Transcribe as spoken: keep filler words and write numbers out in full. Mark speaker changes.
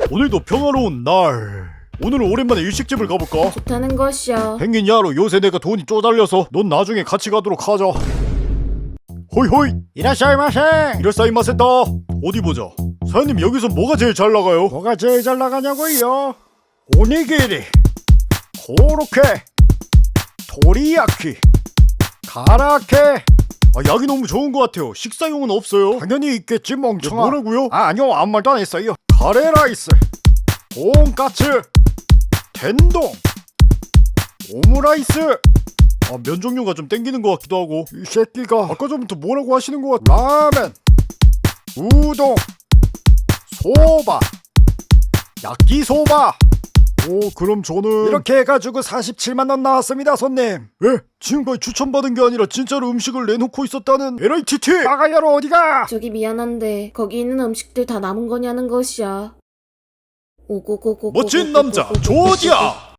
Speaker 1: 오늘도 평화로운 날. 오늘은 오랜만에 일식집을 가볼까?
Speaker 2: 좋다는 것이야.
Speaker 1: 펭귄 야로 요새 내가 돈이 쪼달려서 넌 나중에 같이 가도록 하자. 호이호이 이라샤이마세. 이라샤이마세다. 어디 보자. 사장님 여기서 뭐가 제일 잘 나가요? 뭐가 제일 잘 나가냐고요? 오니기리, 고로케, 도리야키, 가라케. 아, 약이 너무 좋은 것 같아요. 식사용은 없어요? 당연히 있겠지 멍청아. 야, 뭐라고요? 아 아니요 아무 말도 안 했어요. 카레라이스, 돈까츠, 텐동, 오므라이스. 아, 면 종류가 좀 땡기는 것 같기도 하고. 이 새끼가 아까 전부터 뭐라고 하시는 것 같아. 라멘, 우동, 소바, 야끼소바. 오, 그럼 저는 이렇게 해가지고 사십칠만 원 나왔습니다, 손님. 왜? 지금까지 추천받은 게 아니라 진짜로 음식을 내놓고 있었다는 엘아이티티. 빠가야로 어디가?
Speaker 2: 저기 미안한데 거기 있는 음식들 다 남은 거냐는 것이야. 오고고고.
Speaker 1: 멋진 남자 조지야.